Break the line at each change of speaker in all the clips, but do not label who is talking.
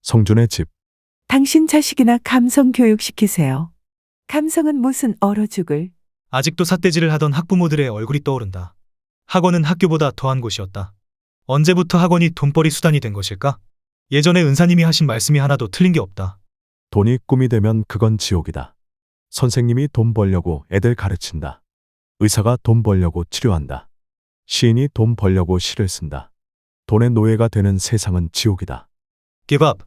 성준의 집.
당신 자식이나 감성 교육시키세요. 감성은 무슨 얼어 죽을.
아직도 삿대질을 하던 학부모들의 얼굴이 떠오른다. 학원은 학교보다 더한 곳이었다. 언제부터 학원이 돈벌이 수단이 된 것일까? 예전에 은사님이 하신 말씀이 하나도 틀린 게 없다.
돈이 꿈이 되면 그건 지옥이다. 선생님이 돈 벌려고 애들 가르친다. 의사가 돈 벌려고 치료한다. 시인이 돈 벌려고 시를 쓴다. 돈의 노예가 되는 세상은 지옥이다.
개밥.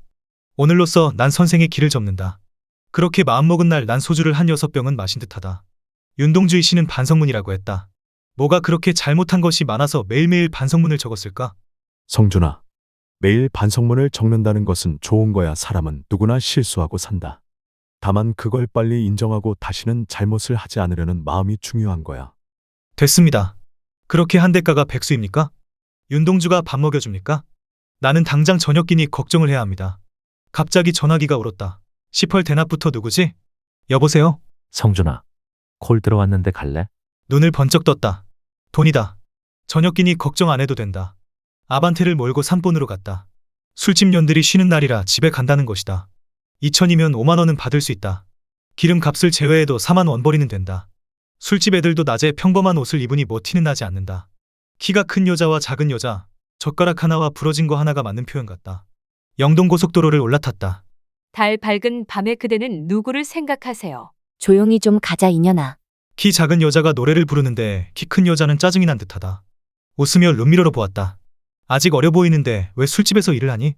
오늘로써 난 선생의 길을 접는다. 그렇게 마음먹은 날 난 소주를 한 6병은 마신 듯하다. 윤동주의 시는 반성문이라고 했다. 뭐가 그렇게 잘못한 것이 많아서 매일매일 반성문을 적었을까?
성준아, 매일 반성문을 적는다는 것은 좋은 거야. 사람은 누구나 실수하고 산다. 다만 그걸 빨리 인정하고 다시는 잘못을 하지 않으려는 마음이 중요한 거야.
됐습니다. 그렇게 한 대가가 백수입니까? 윤동주가 밥 먹여줍니까? 나는 당장 저녁 끼니 걱정을 해야 합니다. 갑자기 전화기가 울었다. 10월 대낮부터 누구지? 여보세요?
성준아, 콜 들어왔는데 갈래?
눈을 번쩍 떴다. 돈이다. 저녁 끼니 걱정 안 해도 된다. 아반떼를 몰고 산본으로 갔다. 술집 년들이 쉬는 날이라 집에 간다는 것이다. 2천이면 5만 원은 받을 수 있다. 기름값을 제외해도 4만 원벌이는 된다. 술집 애들도 낮에 평범한 옷을 입으니 뭐 티는 나지 않는다. 키가 큰 여자와 작은 여자, 젓가락 하나와 부러진 거 하나가 맞는 표현 같다. 영동고속도로를 올라탔다.
달 밝은 밤에 그대는 누구를 생각하세요?
조용히 좀 가자 이년아.
키 작은 여자가 노래를 부르는데 키 큰 여자는 짜증이 난 듯하다. 웃으며 룸미러로 보았다. 아직 어려 보이는데 왜 술집에서 일을 하니?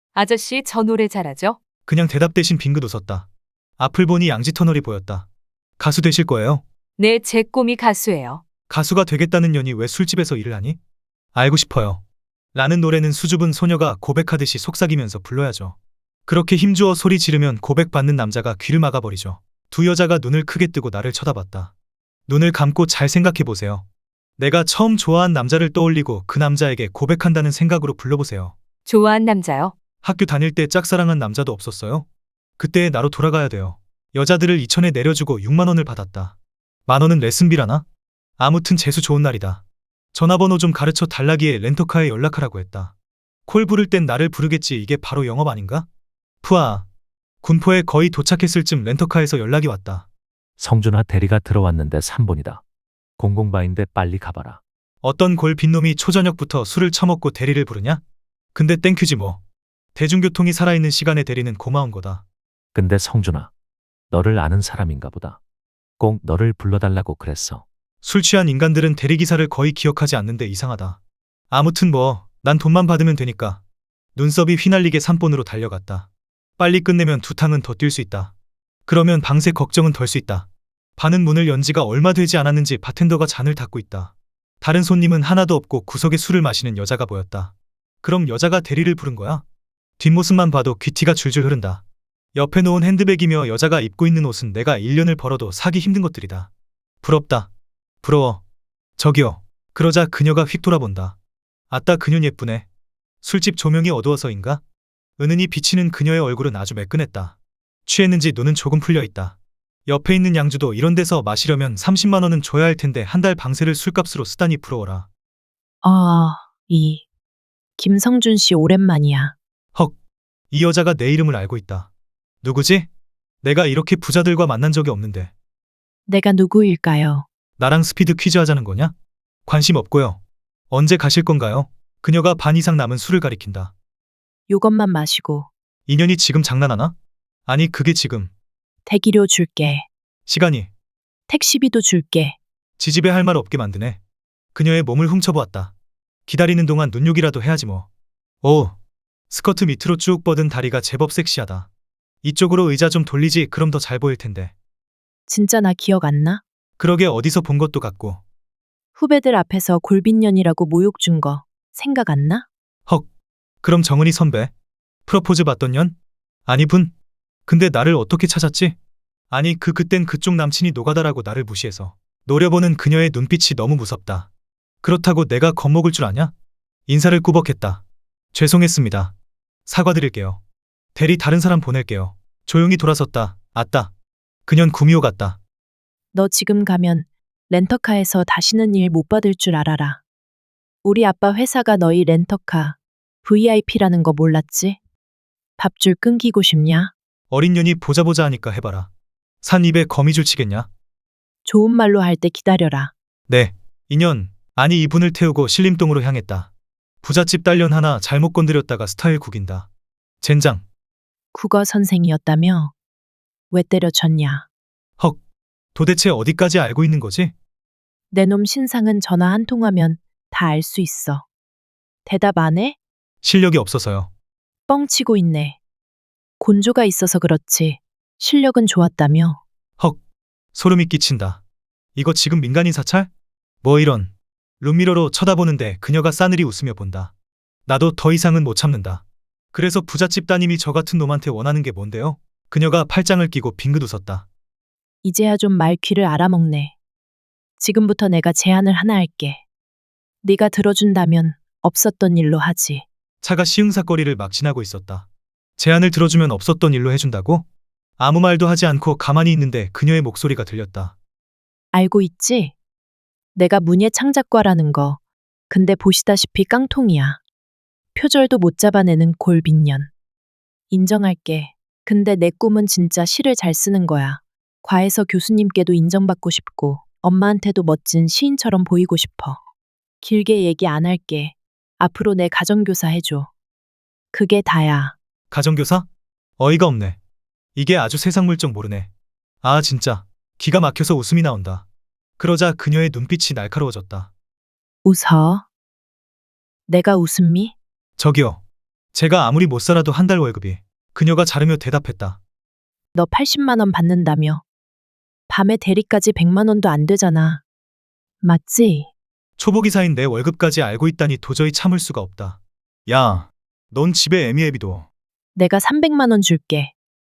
아저씨 저 노래 잘하죠?
그냥 대답 대신 빙긋 웃었다. 앞을 보니 양지터널이 보였다. 가수 되실 거예요?
네, 제 꿈이 가수예요.
가수가 되겠다는 년이 왜 술집에서 일을 하니? 알고 싶어요. 라는 노래는 수줍은 소녀가 고백하듯이 속삭이면서 불러야죠. 그렇게 힘주어 소리 지르면 고백받는 남자가 귀를 막아버리죠. 두 여자가 눈을 크게 뜨고 나를 쳐다봤다. 눈을 감고 잘 생각해보세요. 내가 처음 좋아한 남자를 떠올리고 그 남자에게 고백한다는 생각으로 불러보세요.
좋아한 남자요?
학교 다닐 때 짝사랑한 남자도 없었어요? 그때의 나로 돌아가야 돼요. 여자들을 2천에 내려주고 6만 원을 받았다. 만 원은 레슨비라나? 아무튼 재수 좋은 날이다. 전화번호 좀 가르쳐 달라기에 렌터카에 연락하라고 했다. 콜 부를 땐 나를 부르겠지. 이게 바로 영업 아닌가? 푸아. 군포에 거의 도착했을 쯤 렌터카에서 연락이 왔다.
성준아, 대리가 들어왔는데 3번이다. 공공바인데 빨리 가봐라.
어떤 골 빈놈이 초저녁부터 술을 처먹고 대리를 부르냐? 근데 땡큐지 뭐. 대중교통이 살아있는 시간에 대리는 고마운 거다.
근데 성준아, 너를 아는 사람인가 보다. 꼭 너를 불러달라고 그랬어.
술 취한 인간들은 대리기사를 거의 기억하지 않는데 이상하다. 아무튼 뭐, 난 돈만 받으면 되니까. 눈썹이 휘날리게 산본으로 달려갔다. 빨리 끝내면 2탕은 더 뛸 수 있다. 그러면 방세 걱정은 덜 수 있다. 반은 문을 연 지가 얼마 되지 않았는지 바텐더가 잔을 닦고 있다. 다른 손님은 하나도 없고 구석에 술을 마시는 여자가 보였다. 그럼 여자가 대리를 부른 거야? 뒷모습만 봐도 귀티가 줄줄 흐른다. 옆에 놓은 핸드백이며 여자가 입고 있는 옷은 내가 1년을 벌어도 사기 힘든 것들이다. 부럽다. 부러워. 저기요. 그러자 그녀가 휙 돌아본다. 아따 그년 예쁘네. 술집 조명이 어두워서인가? 은은히 비치는 그녀의 얼굴은 아주 매끈했다. 취했는지 눈은 조금 풀려있다. 옆에 있는 양주도 이런 데서 마시려면 30만 원은 줘야 할 텐데 한 달 방세를 술값으로 쓰다니 부러워라.
김성준 씨 오랜만이야.
헉. 이 여자가 내 이름을 알고 있다. 누구지? 내가 이렇게 부자들과 만난 적이 없는데.
내가 누구일까요?
나랑 스피드 퀴즈 하자는 거냐? 관심 없고요. 언제 가실 건가요? 그녀가 반 이상 남은 술을 가리킨다.
요것만 마시고
인연이 지금 장난하나? 아니 그게 지금.
대기료 줄게.
시간이.
택시비도 줄게.
지집에 할 말 없게 만드네. 그녀의 몸을 훔쳐보았다. 기다리는 동안 눈욕이라도 해야지 뭐. 오. 스커트 밑으로 쭉 뻗은 다리가 제법 섹시하다. 이쪽으로 의자 좀 돌리지. 그럼 더 잘 보일 텐데.
진짜 나 기억 안 나?
그러게 어디서 본 것도 같고.
후배들 앞에서 골빈년이라고 모욕 준 거 생각 안 나?
헉. 그럼 정은이 선배? 프로포즈 받던 년? 아니 분? 근데 나를 어떻게 찾았지? 아니 그땐 그쪽 남친이 노가다라고 나를 무시해서. 노려보는 그녀의 눈빛이 너무 무섭다. 그렇다고 내가 겁먹을 줄 아냐? 인사를 꾸벅했다. 죄송했습니다. 사과드릴게요. 대리 다른 사람 보낼게요. 조용히 돌아섰다. 아따. 그년 구미호 같다.
너 지금 가면 렌터카에서 다시는 일 못 받을 줄 알아라. 우리 아빠 회사가 너희 렌터카 VIP라는 거 몰랐지? 밥줄 끊기고 싶냐?
어린 년이 보자 보자 하니까 해봐라. 산 입에 거미줄 치겠냐?
좋은 말로 할 때 기다려라.
네, 인연, 아니 이분을 태우고 신림동으로 향했다. 부잣집 딸년 하나 잘못 건드렸다가 스타일 구긴다. 젠장,
국어 선생이었다며? 왜 때려쳤냐?
헉, 도대체 어디까지 알고 있는 거지?
내 놈 신상은 전화 한 통하면 다 알 수 있어. 대답 안 해?
실력이 없어서요.
뻥치고 있네. 곤조가 있어서 그렇지. 실력은 좋았다며?
헉, 소름이 끼친다. 이거 지금 민간인 사찰? 뭐 이런. 룸미러로 쳐다보는데 그녀가 싸늘히 웃으며 본다. 나도 더 이상은 못 참는다. 그래서 부잣집 따님이 저 같은 놈한테 원하는 게 뭔데요? 그녀가 팔짱을 끼고 빙긋 웃었다.
이제야 좀 말 귀를 알아먹네. 지금부터 내가 제안을 하나 할게. 네가 들어준다면 없었던 일로 하지.
차가 시흥사거리를 막 지나고 있었다. 제안을 들어주면 없었던 일로 해준다고? 아무 말도 하지 않고 가만히 있는데 그녀의 목소리가 들렸다.
알고 있지? 내가 문예 창작과라는 거. 근데 보시다시피 깡통이야. 표절도 못 잡아내는 골빈년. 인정할게. 근데 내 꿈은 진짜 시를 잘 쓰는 거야. 과에서 교수님께도 인정받고 싶고 엄마한테도 멋진 시인처럼 보이고 싶어. 길게 얘기 안 할게. 앞으로 내 가정교사 해줘. 그게 다야.
가정교사? 어이가 없네. 이게 아주 세상 물정 모르네. 아 진짜 기가 막혀서 웃음이 나온다. 그러자 그녀의 눈빛이 날카로워졌다.
웃어. 내가 웃음미?
저기요. 제가 아무리 못 살아도 한 달 월급이. 그녀가 자르며 대답했다.
너 80만 원 받는다며. 밤에 대리까지 100만 원도 안 되잖아. 맞지?
초보기사인 내 월급까지 알고 있다니 도저히 참을 수가 없다. 야, 넌 집에 애미애비도.
내가 300만 원 줄게.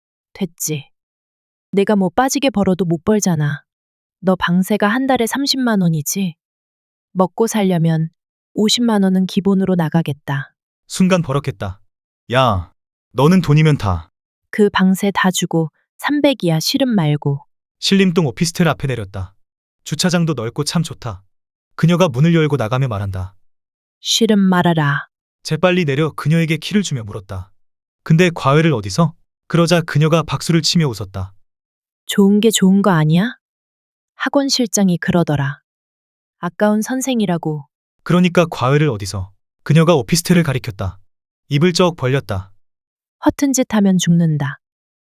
됐지. 내가 뭐 빠지게 벌어도 못 벌잖아. 너 방세가 한 달에 30만 원이지? 먹고 살려면 50만 원은 기본으로 나가겠다.
순간 버럭했다. 야, 너는 돈이면 다.
그 방세 다 주고 300이야 실은 말고.
신림동 오피스텔 앞에 내렸다. 주차장도 넓고 참 좋다. 그녀가 문을 열고 나가며 말한다.
실은 말아라.
재빨리 내려 그녀에게 키를 주며 물었다. 근데 과외를 어디서? 그러자 그녀가 박수를 치며 웃었다.
좋은 게 좋은 거 아니야? 학원 실장이 그러더라. 아까운 선생이라고.
그러니까 과외를 어디서? 그녀가 오피스텔을 가리켰다. 입을 쩍 벌렸다.
허튼 짓 하면 죽는다.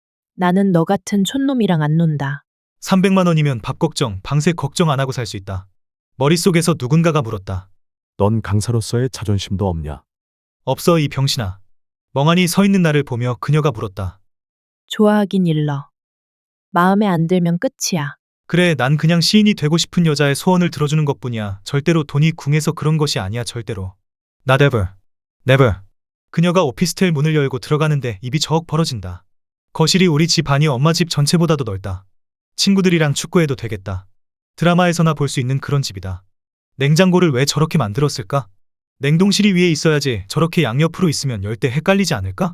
나는 너 같은 촌놈이랑 안 논다.
300만 원이면 밥 걱정, 방세 걱정 안 하고 살 수 있다. 머릿속에서 누군가가 물었다.
넌 강사로서의 자존심도 없냐?
없어 이 병신아. 멍하니 서 있는 나를 보며 그녀가 물었다.
좋아하긴 일러. 마음에 안 들면 끝이야.
그래, 난 그냥 시인이 되고 싶은 여자의 소원을 들어주는 것뿐이야. 절대로 돈이 궁해서 그런 것이 아니야, 절대로. Not ever. Never. 그녀가 오피스텔 문을 열고 들어가는데 입이 저억 벌어진다. 거실이 우리 집 아니 엄마 집 전체보다도 넓다. 친구들이랑 축구해도 되겠다. 드라마에서나 볼 수 있는 그런 집이다. 냉장고를 왜 저렇게 만들었을까? 냉동실이 위에 있어야지 저렇게 양옆으로 있으면 열 때 헷갈리지 않을까?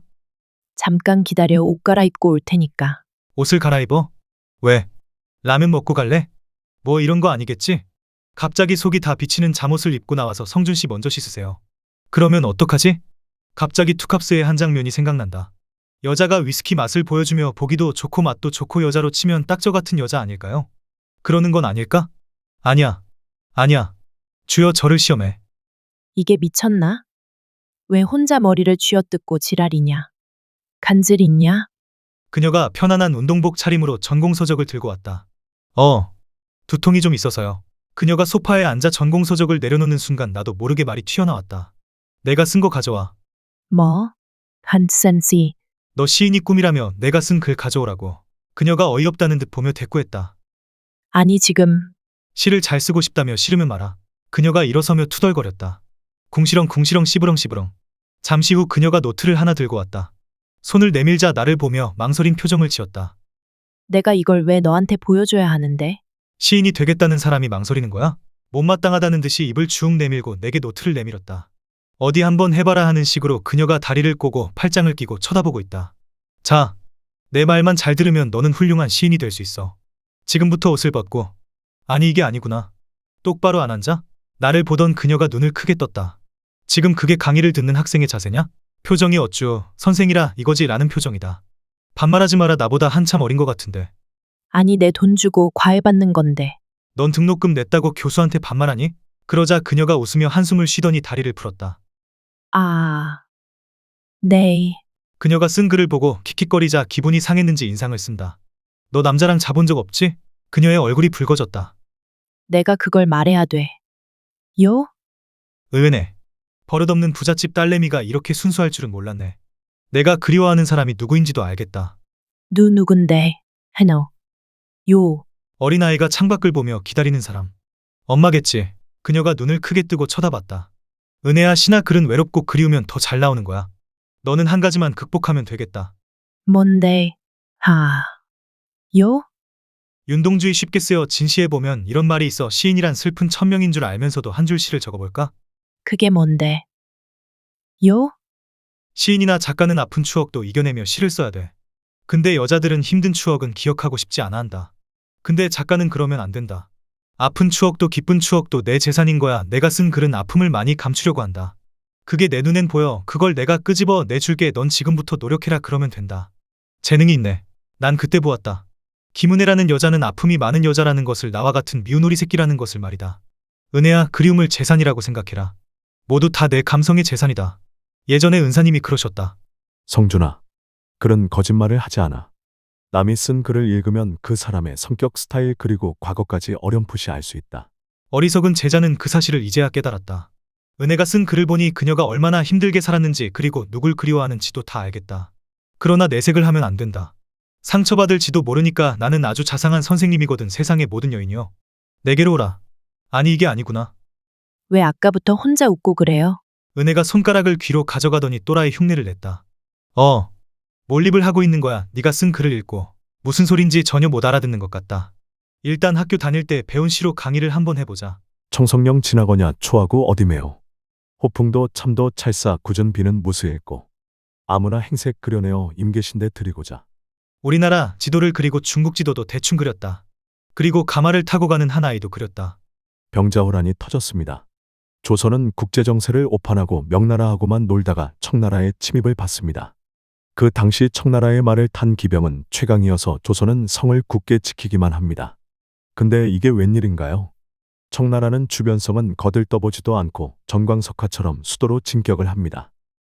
잠깐 기다려 옷 갈아입고 올 테니까.
옷을 갈아입어? 왜? 라면 먹고 갈래? 뭐 이런 거 아니겠지? 갑자기 속이 다 비치는 잠옷을 입고 나와서 성준 씨 먼저 씻으세요. 그러면 어떡하지? 갑자기 투캅스의 한 장면이 생각난다. 여자가 위스키 맛을 보여주며 보기도 좋고 맛도 좋고 여자로 치면 딱 저 같은 여자 아닐까요? 그러는 건 아닐까? 아니야. 아니야. 주여 저를 시험해.
이게 미쳤나? 왜 혼자 머리를 쥐어뜯고 지랄이냐? 간질 있냐?
그녀가 편안한 운동복 차림으로 전공서적을 들고 왔다. 두통이 좀 있어서요. 그녀가 소파에 앉아 전공서적을 내려놓는 순간 나도 모르게 말이 튀어나왔다. 내가 쓴 거 가져와.
뭐? 한센시.
너 시인이 꿈이라며 내가 쓴 글 가져오라고. 그녀가 어이없다는 듯 보며 대꾸했다.
아니 지금
시를 잘 쓰고 싶다며 싫으면 마라. 그녀가 일어서며 투덜거렸다. 궁시렁 궁시렁 씨부렁 씨부렁. 잠시 후 그녀가 노트를 하나 들고 왔다. 손을 내밀자 나를 보며 망설인 표정을 지었다.
내가 이걸 왜 너한테 보여줘야 하는데?
시인이 되겠다는 사람이 망설이는 거야? 못마땅하다는 듯이 입을 쭉 내밀고 내게 노트를 내밀었다. 어디 한번 해봐라 하는 식으로 그녀가 다리를 꼬고 팔짱을 끼고 쳐다보고 있다. 자, 내 말만 잘 들으면 너는 훌륭한 시인이 될 수 있어. 지금부터 옷을 벗고. 아니 이게 아니구나. 똑바로 안 앉아? 나를 보던 그녀가 눈을 크게 떴다. 지금 그게 강의를 듣는 학생의 자세냐? 표정이 어쭈 선생이라 이거지 라는 표정이다. 반말하지 마라 나보다 한참 어린 것 같은데.
아니, 내 돈 주고 과외 받는 건데.
넌 등록금 냈다고 교수한테 반말하니? 그러자 그녀가 웃으며 한숨을 쉬더니 다리를 풀었다.
아, 네.
그녀가 쓴 글을 보고 킥킥거리자 기분이 상했는지 인상을 쓴다. 너 남자랑 자본 적 없지? 그녀의 얼굴이 붉어졌다.
내가 그걸 말해야 돼. 요?
의외네. 버릇없는 부잣집 딸내미가 이렇게 순수할 줄은 몰랐네. 내가 그리워하는 사람이 누구인지도 알겠다.
누군데? 해노. 요.
어린아이가 창밖을 보며 기다리는 사람. 엄마겠지. 그녀가 눈을 크게 뜨고 쳐다봤다. 은혜야, 신화 글은 외롭고 그리우면 더 잘 나오는 거야. 너는 한 가지만 극복하면 되겠다.
뭔데? 하. 요?
윤동주의 쉽게 쓰여 진시해보면 이런 말이 있어. 시인이란 슬픈 천명인 줄 알면서도 한 줄 시를 적어볼까?
그게 뭔데? 요?
시인이나 작가는 아픈 추억도 이겨내며 시를 써야 돼. 근데 여자들은 힘든 추억은 기억하고 싶지 않아 한다. 근데 작가는 그러면 안 된다. 아픈 추억도 기쁜 추억도 내 재산인 거야. 내가 쓴 글은 아픔을 많이 감추려고 한다. 그게 내 눈엔 보여. 그걸 내가 끄집어 내줄게. 넌 지금부터 노력해라. 그러면 된다. 재능이 있네. 난 그때 보았다. 김은혜라는 여자는 아픔이 많은 여자라는 것을, 나와 같은 미운 오리 새끼라는 것을 말이다. 은혜야, 그리움을 재산이라고 생각해라. 모두 다 내 감성의 재산이다. 예전에 은사님이 그러셨다.
성준아, 글은 거짓말을 하지 않아. 남이 쓴 글을 읽으면 그 사람의 성격, 스타일 그리고 과거까지 어렴풋이 알 수 있다.
어리석은 제자는 그 사실을 이제야 깨달았다. 은혜가 쓴 글을 보니 그녀가 얼마나 힘들게 살았는지 그리고 누굴 그리워하는지도 다 알겠다. 그러나 내색을 하면 안 된다. 상처받을지도 모르니까. 나는 아주 자상한 선생님이거든. 세상의 모든 여인이여, 내게로 오라. 아니, 이게 아니구나.
왜 아까부터 혼자 웃고 그래요?
은혜가 손가락을 귀로 가져가더니 또라이 흉내를 냈다. 몰입을 하고 있는 거야. 네가 쓴 글을 읽고 무슨 소린지 전혀 못 알아듣는 것 같다. 일단 학교 다닐 때 배운 시로 강의를 한번 해보자.
청성령 지나거냐 초하고 어디 매요. 호풍도 참도 찰사 굳은 비는 무수했고 아무나 행색 그려내어 임계신데 드리고자.
우리나라 지도를 그리고 중국 지도도 대충 그렸다. 그리고 가마를 타고 가는 한 아이도 그렸다.
병자호란이 터졌습니다. 조선은 국제정세를 오판하고 명나라하고만 놀다가 청나라의 침입을 받습니다. 그 당시 청나라의 말을 탄 기병은 최강이어서 조선은 성을 굳게 지키기만 합니다. 근데 이게 웬일인가요? 청나라는 주변성은 거들떠보지도 않고 정광석화처럼 수도로 진격을 합니다.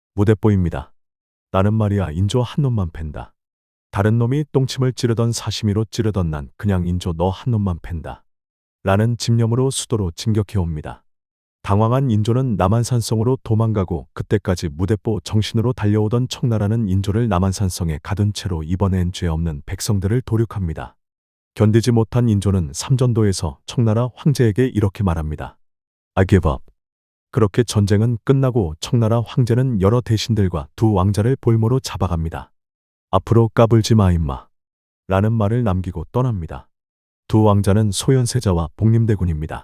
무대뽀입니다. 나는 말이야 인조 한 놈만 팬다. 다른 놈이 똥침을 찌르던 사시미로 찌르던 난 그냥 인조 너 한 놈만 팬다. 라는 집념으로 수도로 진격해옵니다. 당황한 인조는 남한산성으로 도망가고 그때까지 무대뽀 정신으로 달려오던 청나라는 인조를 남한산성에 가둔 채로 이번엔 죄 없는 백성들을 도륙합니다. 견디지 못한 인조는 삼전도에서 청나라 황제에게 이렇게 말합니다. I give up. 그렇게 전쟁은 끝나고 청나라 황제는 여러 대신들과 두 왕자를 볼모로 잡아갑니다. 앞으로 까불지 마 임마. 라는 말을 남기고 떠납니다. 두 왕자는 소현세자와 복림대군입니다.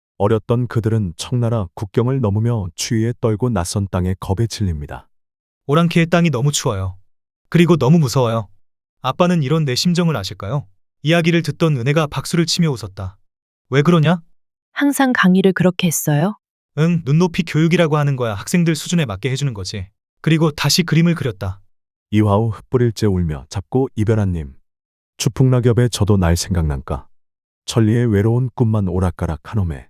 어렸던 그들은 청나라 국경을 넘으며 추위에 떨고 낯선 땅에 겁에 질립니다.
오랑캐의 땅이 너무 추워요. 그리고 너무 무서워요. 아빠는 이런 내 심정을 아실까요? 이야기를 듣던 은혜가 박수를 치며 웃었다. 왜 그러냐?
항상 강의를 그렇게 했어요?
응, 눈높이 교육이라고 하는 거야. 학생들 수준에 맞게 해주는 거지. 그리고 다시 그림을 그렸다.
이화우 흩뿌릴째 울며 잡고 이별한님. 추풍낙엽에 저도 날 생각난까. 천리의 외로운 꿈만 오락가락 한옴에.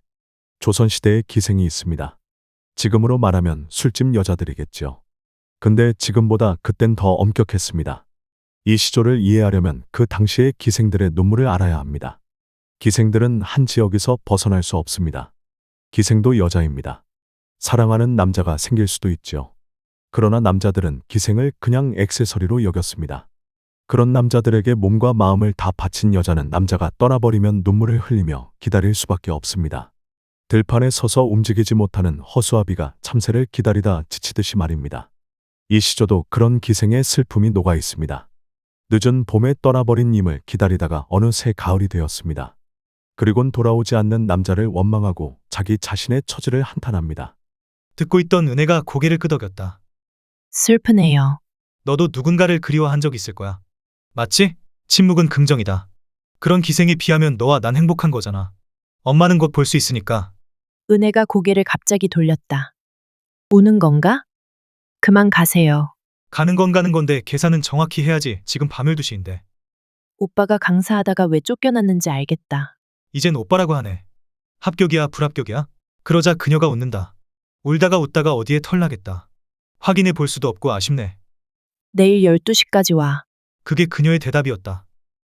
조선시대의 기생이 있습니다. 지금으로 말하면 술집 여자들이겠죠. 근데 지금보다 그땐 더 엄격했습니다. 이 시조를 이해하려면 그 당시의 기생들의 눈물을 알아야 합니다. 기생들은 한 지역에서 벗어날 수 없습니다. 기생도 여자입니다. 사랑하는 남자가 생길 수도 있죠. 그러나 남자들은 기생을 그냥 액세서리로 여겼습니다. 그런 남자들에게 몸과 마음을 다 바친 여자는 남자가 떠나버리면 눈물을 흘리며 기다릴 수밖에 없습니다. 들판에 서서 움직이지 못하는 허수아비가 참새를 기다리다 지치듯이 말입니다. 이 시조도 그런 기생의 슬픔이 녹아 있습니다. 늦은 봄에 떠나버린 님을 기다리다가 어느새 가을이 되었습니다. 그리곤 돌아오지 않는 남자를 원망하고 자기 자신의 처지를 한탄합니다.
듣고 있던 은혜가 고개를 끄덕였다.
슬프네요.
너도 누군가를 그리워한 적 있을 거야. 맞지? 침묵은 긍정이다. 그런 기생에 비하면 너와 난 행복한 거잖아. 엄마는 곧 볼 수 있으니까.
은혜가 고개를 갑자기 돌렸다. 우는 건가? 그만 가세요.
가는 건 가는 건데 계산은 정확히 해야지. 지금 밤 12시인데.
오빠가 강사하다가 왜 쫓겨났는지 알겠다.
이젠 오빠라고 하네. 합격이야, 불합격이야? 그러자 그녀가 웃는다. 울다가 웃다가 어디에 털나겠다. 확인해 볼 수도 없고 아쉽네.
내일 12시까지 와.
그게 그녀의 대답이었다.